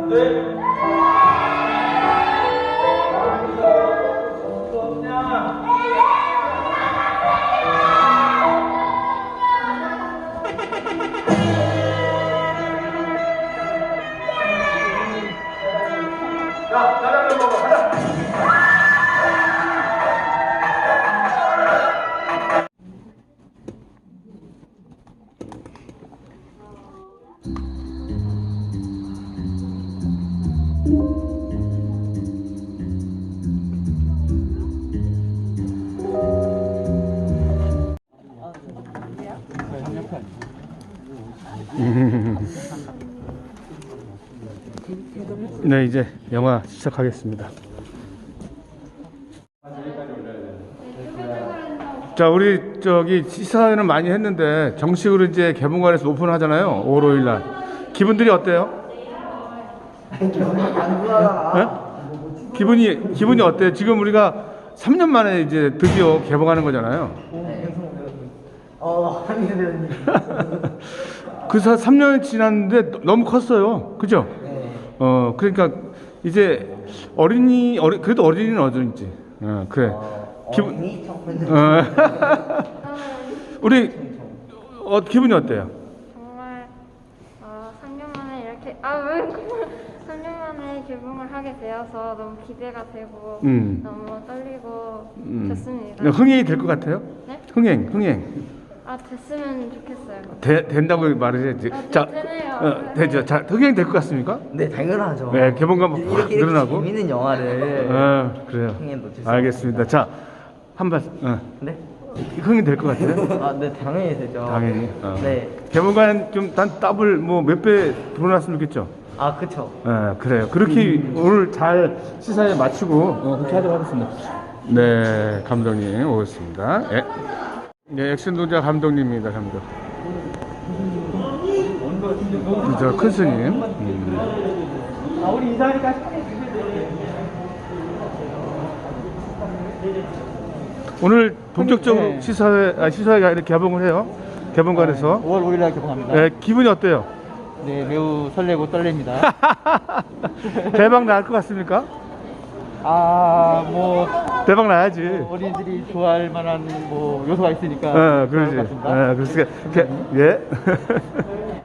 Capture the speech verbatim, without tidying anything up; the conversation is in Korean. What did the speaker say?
네, 이제 영화 시작하겠습니다. 자, 우리 저기 시사회는 많이 했는데 정식으로 이제 개봉관에서 오픈하잖아요. 오월 오일 날. 기분들이 어때요? 네? 기분이 기분이 어때요? 지금 우리가 삼 년 만에 이제 드디어 개봉하는 거잖아요. 어, 한희 배우님. 그래서 삼 년이 지났는데 너무 컸어요. 그죠? 네. 어, 그러니까 이제 어린이, 어리, 그래도 어린이는 어린이지. 어, 그래. 어, 기분, 어린이 청소년. 어. 우리, 어, 기분이 어때요? 정말 어, 삼 년 만에 이렇게 아왜 삼 년 만에 개봉을 하게 되어서 너무 기대가 되고 음. 너무 떨리고 음. 좋습니다. 흥행이 될 것 같아요? 네? 흥행, 흥행. 아 됐으면 좋겠어요. 되, 된다고 말해야지. 아, 자, 되네요. 어, 되죠. 자, 흥행 될 것 같습니까? 네, 당연하죠. 네, 개봉관 확 이렇게, 이렇게 늘어나고. 재밌는 영화를. 어, 그래요. 흥행 놓칠 수 알겠습니다. 자, 한 번, 어. 네? 흥행 될 것 같아요? 아, 네, 당연히 되죠. 당연히. 어. 네. 개봉관 좀 단 더블 뭐 몇 배 들어놨으면 좋겠죠. 아, 그쵸. 예, 그래요. 그렇게 오늘 잘 시사에 마치고 어, 그렇게 하도록 하겠습니다. 네, 감독님 오셨습니다. 예. 네, 액션 동작 감독님입니다, 감독. 저 큰 스님. 음. 아, 우리 이사하니까. 오늘 본격적으로 네. 시사회, 아, 시사회가 이렇게 개봉을 해요. 개봉관에서. 오월 오일 날 개봉합니다. 예, 기분이 어때요? 네, 매우 설레고 떨립니다. 대박 날 것 같습니까? 아, 뭐 대박 나야지. 어린이들이 좋아할 만한 뭐 요소가 있으니까 어, 좋을 것 그러지. 같습니다. 어, 그러니까, 그, 예.